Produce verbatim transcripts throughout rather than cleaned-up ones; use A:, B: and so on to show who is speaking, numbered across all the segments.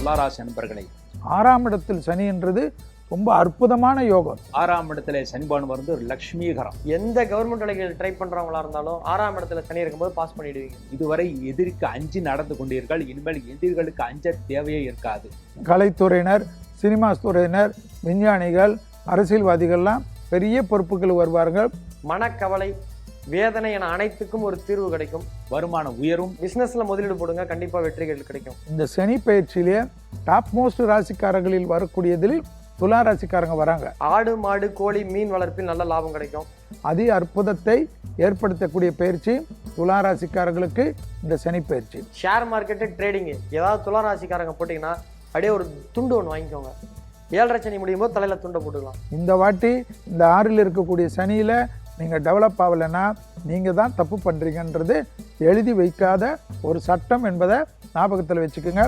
A: துளாராசி நண்பர்களை.
B: ஆறாம் இடத்தில் சனி என்றது ரொம்ப அற்புதமான யோகம்.
A: ஆறாம் இடத்துல சனிபான் வந்து ஒரு லட்சுமிகரம்.
C: எந்த கவர்மெண்ட் வேலைகள் ட்ரை பண்றவங்களா இருந்தாலும் ஆறாம் இடத்துல சனி இருக்கும்போது பாஸ் பண்ணிடுவீங்க.
A: இதுவரை எதிரிக்கு அஞ்சு நடந்து கொண்டீர்கள், இனிமேல் எதிரிகளுக்கு அஞ்ச தேவையே இருக்காது.
B: கலைத்துறையினர், சினிமா துறையினர், விஞ்ஞானிகள், அரசியல்வாதிகள்லாம் பெரிய பொறுப்புகள் வருவார்கள்.
C: மனக்கவலை, வேதனை என அனைத்துக்கும் ஒரு தீர்வு கிடைக்கும்.
A: வருமான உயரும்.
C: பிசினஸ்ல முதலீடு போடுங்க, கண்டிப்பா வெற்றிகள் கிடைக்கும்.
B: இந்த சனி பயிற்சியிலே டாப் மோஸ்ட் ராசிக்காரர்களில் வரக்கூடியதில் துலா ராசிக்காரங்க வராங்க.
C: ஆடு மாடு கோழி மீன் வளர்ப்பில் நல்ல லாபம் கிடைக்கும்.
B: அதி அற்புதத்தை ஏற்படுத்தக்கூடிய பயிற்சி துலா ராசிக்காரர்களுக்கு இந்த சனி பயிற்சி.
C: ஷேர் மார்க்கெட்டு ட்ரேடிங்கு ஏதாவது துலா ராசிக்காரங்க போட்டிங்கன்னா அப்படியே ஒரு துண்டு ஒன்று வாங்கிக்கோங்க. ஏழரை சனி முடியும் போது தலையில் துண்டை போட்டுக்கலாம்.
B: இந்த வாட்டி இந்த ஆறில் இருக்கக்கூடிய சனியில் நீங்கள் டெவலப் ஆகலைன்னா நீங்கள் தான் தப்பு பண்ணுறீங்கன்றது எழுதி வைக்காத ஒரு சட்டம் என்பதை ஞாபகத்தில் வச்சுக்கோங்க.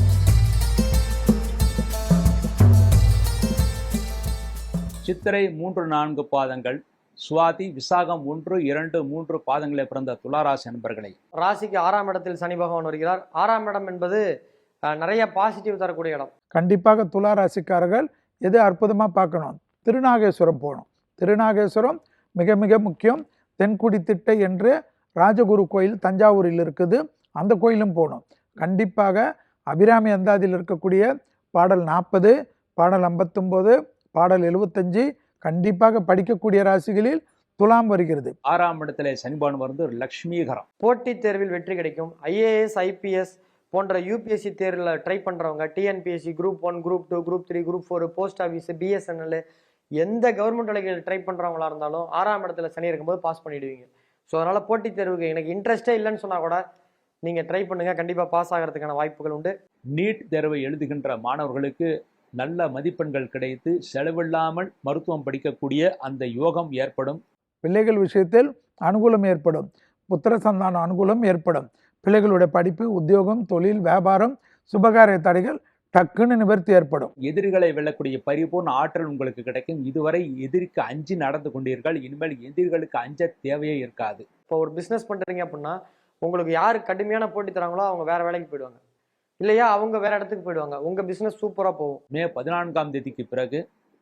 A: சித்திரை மூன்று நான்கு பாதங்கள், சுவாதி விசாகம் ஒன்று இரண்டு மூன்று பாதங்களை பிறந்த துளாராசி நண்பர்களை.
C: ராசிக்கு ஆறாம் இடத்தில் சனி பகவான் வருகிறார். ஆறாம் இடம் என்பது நிறைய பாசிட்டிவ் தரக்கூடிய இடம்.
B: கண்டிப்பாக துலா ராசிக்காரர்கள் எது அற்புதமாக பார்க்கணும், திருநாகேஸ்வரம் போகணும். திருநாகேஸ்வரம் மிக மிக முக்கியம். தென்குடி திட்டை என்று ராஜகுரு கோயில் தஞ்சாவூரில் இருக்குது, அந்த கோயிலும் போகணும். கண்டிப்பாக அபிராமி அந்தாதியில் இருக்கக்கூடிய பாடல் நாற்பது, பாடல் ஐம்பத்தொம்போது, பாடல் எழுபத்தஞ்சு கண்டிப்பாக படிக்கக்கூடிய ராசிகளில் துலாம் வருகிறது.
A: ஆறாம் இடத்துல சனிபான் வந்து ஒரு லட்சுமிகரம்.
C: போட்டித் தேர்வில் வெற்றி கிடைக்கும். ஐஏஎஸ் ஐபிஎஸ் போன்ற யூபிஎஸ்சி தேர்வில் ட்ரை பண்ணுறவங்க, TNPSC group one, group two, group three, group four, post office, BSNL, எந்த கவர்மெண்ட் வேலைகள் ட்ரை பண்ணுறவங்களா இருந்தாலும் ஆறாம் இடத்துல சனி இருக்கும்போது பாஸ் பண்ணிடுவீங்க. ஸோ அதனால் போட்டித் தேர்வுக்கு எனக்கு இன்ட்ரெஸ்டே இல்லைன்னு சொன்னால் கூட நீங்கள் ட்ரை பண்ணுங்கள், கண்டிப்பாக பாஸ் ஆகிறதுக்கான வாய்ப்புகள் உண்டு.
A: நீட் தேர்வை எழுதுகின்ற மாணவர்களுக்கு நல்ல மதிப்பெண்கள் கிடைத்து செலவில்லாமல் மருத்துவம் படிக்கக்கூடிய அந்த யோகம் ஏற்படும்.
B: பிள்ளைகள் விஷயத்தில் அனுகூலம் ஏற்படும். புத்திர சந்தான அனுகூலம் ஏற்படும். பிள்ளைகளுடைய படிப்பு, உத்தியோகம், தொழில், வியாபாரம், சுபகாரிய தடைகள் டக்குன்னு நிவர்த்தி ஏற்படும்.
A: எதிரிகளை வெல்லக்கூடிய பரிபூர்ண ஆற்றல் உங்களுக்கு கிடைக்கும். இதுவரை எதிரிக்கு அஞ்சு நடந்து கொண்டீர்கள், இனிமேல் எதிரிகளுக்கு அஞ்ச தேவையே இருக்காது.
C: இப்போ ஒரு பிஸ்னஸ் பண்ணுறீங்க அப்படின்னா உங்களுக்கு யார் கடுமையான போட்டி தராங்களோ அவங்க வேற வேலைக்கு போயிடுவாங்க, இல்லையா அவங்க வேற இடத்துக்கு போயிடுவாங்க. உங்கள் பிஸ்னஸ் சூப்பராக போகும்.
A: மே பதினான்காம் தேதிக்கு பிறகு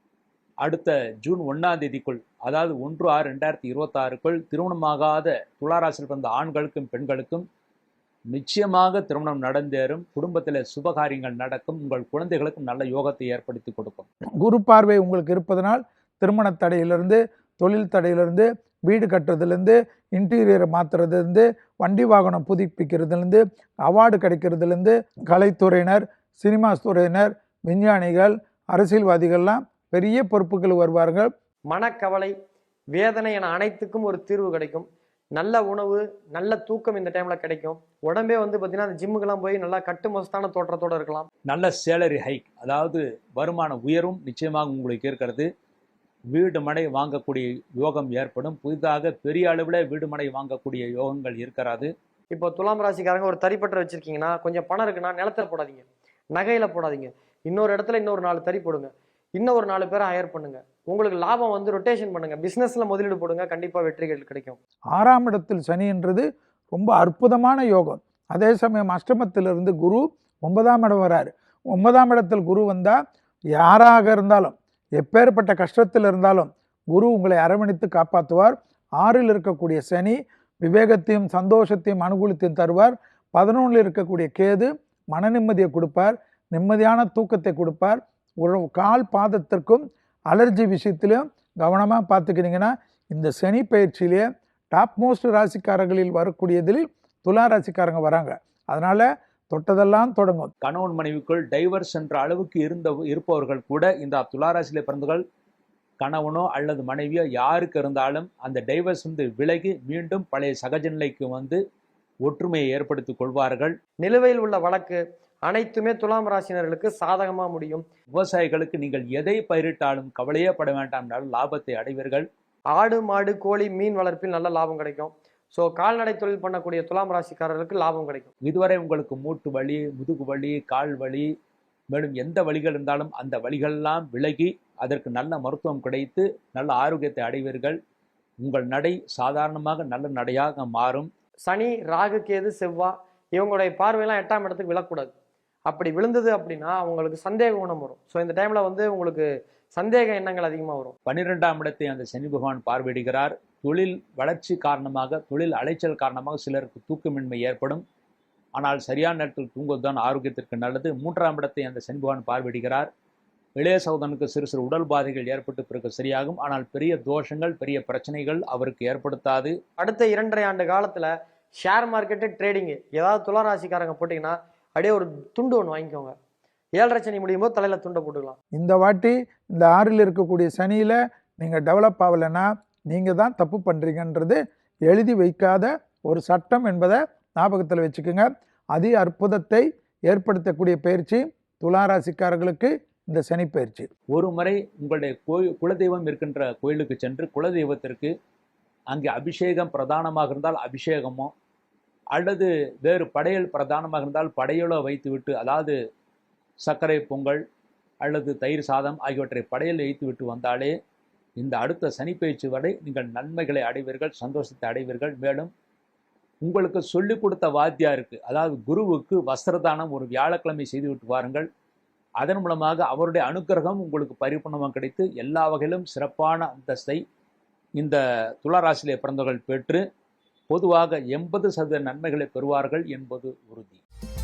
A: அடுத்த ஜூன் ஒன்றாம் தேதிக்குள், அதாவது ஒன்று ஆறு ரெண்டாயிரத்தி இருபத்தி ஆறுக்குள் திருமணமாகாத துளாராசியில் பிறந்த ஆண்களுக்கும் பெண்களுக்கும் நிச்சயமாக திருமணம் நடந்தேறும். குடும்பத்தில் சுபகாரியங்கள் நடக்கும். உங்கள் குழந்தைகளுக்கும் நல்ல யோகத்தை ஏற்படுத்தி கொடுக்கும்.
B: குரு பார்வை உங்களுக்கு இருப்பதனால் திருமண தடையிலிருந்து, தொழில் தடையிலிருந்து, வீடு கட்டுறதுலேருந்து, இன்டீரியரை மாற்றுறதுலேருந்து, வண்டி வாகனம் புதுப்பிக்கிறதுலேருந்து, அவார்டு கிடைக்கிறதுலேருந்து, கலைத்துறையினர், சினிமா துறையினர், விஞ்ஞானிகள், அரசியல்வாதிகள்லாம் பெரிய பொறுப்புகள் வருவார்கள்.
C: மனக்கவலை, வேதனை என அனைத்துக்கும் ஒரு தீர்வு கிடைக்கும். நல்ல உணவு, நல்ல தூக்கம் இந்த டைமில் கிடைக்கும். உடம்பே வந்து பார்த்தீங்கன்னா அந்த ஜிம்முக்கெல்லாம் போய் நல்லா கட்டு மஸ்தான தோற்றத்தோடு இருக்கலாம்.
A: நல்ல சேலரி ஹைக், அதாவது வருமான உயரும் நிச்சயமாக உங்களுக்கு இருக்கிறது. வீடு மனை வாங்கக்கூடிய யோகம் ஏற்படும். புதிதாக பெரிய அளவில் வீடு மனை வாங்கக்கூடிய யோகங்கள் இருக்கிறது.
C: இப்போ துலாம் ராசிக்காரங்க ஒரு தறிப்பற்ற வச்சுருக்கீங்கன்னா கொஞ்சம் பணம் இருக்குன்னா நிலத்தில் போடாதீங்க, நகையில் போடாதீங்க. இன்னொரு இடத்துல இன்னொரு நாலு தறி போடுங்க, இன்னும் ஒரு நாலு பேரை ஹையர் பண்ணுங்க. உங்களுக்கு லாபம் வந்து ரொட்டேஷன் பண்ணுங்க, பிஸ்னஸில் முதலீடு போடுங்க, கண்டிப்பாக வெற்றிகள் கிடைக்கும்.
B: ஆறாம் இடத்தில் சனி என்றது ரொம்ப அற்புதமான யோகம். அதே சமயம் அஷ்டமத்திலிருந்து குரு ஒன்பதாம் இடம் வராரு. ஒன்பதாம் இடத்தில் குரு வந்தால் யாராக இருந்தாலும், எப்பேற்பட்ட கஷ்டத்தில் இருந்தாலும் குரு உங்களை அரவணைத்து காப்பாற்றுவார். ஆறில் இருக்கக்கூடிய சனி விவேகத்தையும் சந்தோஷத்தையும் அனுகூலத்தையும் தருவார். பதினொன்றில் இருக்கக்கூடிய கேது மன நிம்மதியை கொடுப்பார், நிம்மதியான தூக்கத்தை கொடுப்பார். ஒரு கால் பாதத்திற்கும் அலர்ஜி விஷயத்திலும் கவனமாக பார்த்துக்கிட்டிங்கன்னா இந்த சனி பயிற்சியிலே டாப் மோஸ்ட் ராசிக்காரர்களில் வரக்கூடியதில் துலா ராசிக்காரங்க வராங்க. அதனால் தொட்டதெல்லாம் தொடங்கும்.
A: கணவன் மனைவிக்குள் டைவர்ஸ் என்ற அளவுக்கு இருந்த இருப்பவர்கள் கூட இந்த துளாராசியில பிறந்தவர்கள் கணவனோ அல்லது மனைவியோ யாருக்கு இருந்தாலும் அந்த டைவர்ஸ் வந்து விலகி மீண்டும் பழைய சகஜ நிலைக்கு வந்து ஒற்றுமையை ஏற்படுத்திக் கொள்வார்கள்.
C: நிலுவையில் உள்ள வழக்கு அனைத்துமே துலாம் ராசினர்களுக்கு சாதகமாக முடியும்.
A: விவசாயிகளுக்கு நீங்கள் எதை பயிரிட்டாலும் கவலையே பட வேண்டாம், நல்ல லாபத்தை அடைவீர்கள்.
C: ஆடு மாடு கோழி மீன் வளர்ப்பில் நல்ல லாபம் கிடைக்கும். ஸோ கால்நடை தொழில் பண்ணக்கூடிய துலாம் ராசிக்காரர்களுக்கு லாபம் கிடைக்கும்.
A: இதுவரை உங்களுக்கு மூட்டு வலி, முதுகு வலி, கால் வலி, மேலும் எந்த வலிகள் இருந்தாலும் அந்த வலிகளெல்லாம் விலகி அதற்கு நல்ல மருத்துவம் கிடைத்து நல்ல ஆரோக்கியத்தை அடைவீர்கள். உங்கள் நடை சாதாரணமாக நல்ல நடையாக மாறும்.
C: சனி, ராகு, கேது, செவ்வாய் இவங்களுடைய பார்வையெல்லாம் எட்டாம் இடத்துக்கு விழக்கூடாது. அப்படி விழுந்தது அப்படின்னா அவங்களுக்கு சந்தேக குணம் வரும். ஸோ இந்த டைம்ல வந்து உங்களுக்கு சந்தேக எண்ணங்கள் அதிகமாக வரும்.
A: பன்னிரெண்டாம் இடத்தை அந்த சனி பகவான் பார்வையிடுகிறார். தொழில் வளர்ச்சி காரணமாக, தொழில் அலைச்சல் காரணமாக சிலருக்கு தூக்கமின்மை ஏற்படும். ஆனால் சரியான நேரத்தில் தூங்குவதுதான் ஆரோக்கியத்திற்கு நல்லது. மூன்றாம் இடத்தை அந்த சனி பகவான் பார்வையிடுகிறார். இளைய சகோதரனுக்கு சிறு சிறு உடல் பாதைகள் ஏற்பட்டு பிறகு சரியாகும். ஆனால் பெரிய தோஷங்கள், பெரிய பிரச்சனைகள் அவருக்கு ஏற்படுத்தாது.
C: அடுத்த இரண்டரை ஆண்டு காலத்துல ஷேர் மார்க்கெட்டு, ட்ரேடிங்கு ஏதாவது துளாராசிக்காரங்க போட்டிங்கன்னா அப்படியே ஒரு துண்டு ஒன்று வாங்கிக்கோங்க. ஏழரை சனி முடியும் போது தலையில துண்டை போட்டுக்கலாம்.
B: இந்த வாட்டி இந்த ஆறில் இருக்கக்கூடிய சனியில் நீங்கள் டெவலப் ஆகலைன்னா நீங்கள் தான் தப்பு பண்ணுறீங்கன்றது எழுதி வைக்காத ஒரு சட்டம் என்பதை ஞாபகத்தில் வச்சுக்கோங்க. அதி அற்புதத்தை ஏற்படுத்தக்கூடிய பயிற்சி துளாராசிக்காரர்களுக்கு இந்த சனி பயிற்சி.
A: ஒரு முறை உங்களுடைய கோயில் குலதெய்வம் இருக்கின்ற கோயிலுக்கு சென்று குலதெய்வத்திற்கு அங்கே அபிஷேகம் பிரதானமாக இருந்தால் அபிஷேகமோ, அல்லது வேறு படையல் பிரதானமாக இருந்தால் படையலோ வைத்துவிட்டு, அதாவது சர்க்கரை பொங்கல் அல்லது தயிர் சாதம் ஆகியவற்றை படையல் வைத்து விட்டு வந்தாலே இந்த அடுத்த சனிப்பயிற்சி வரை நீங்கள் நன்மைகளை அடைவீர்கள், சந்தோஷத்தை அடைவீர்கள். மேலும் உங்களுக்கு சொல்லிக் கொடுத்த வாத்தியாருக்கு, அதாவது குருவுக்கு வஸ்திரதானம் ஒரு வியாழக்கிழமை செய்துவிட்டு வாருங்கள். அதன் மூலமாக அவருடைய அனுக்கிரகம் உங்களுக்கு பரிபூர்ணமாக கிடைத்து எல்லா வகையிலும் சிறப்பான அந்தஸ்தை இந்த துளாராசியிலே பிறந்தவர்கள் பெற்று பொதுவாக எண்பது சதவீத நன்மைகளை பெறுவார்கள் என்பது உறுதி.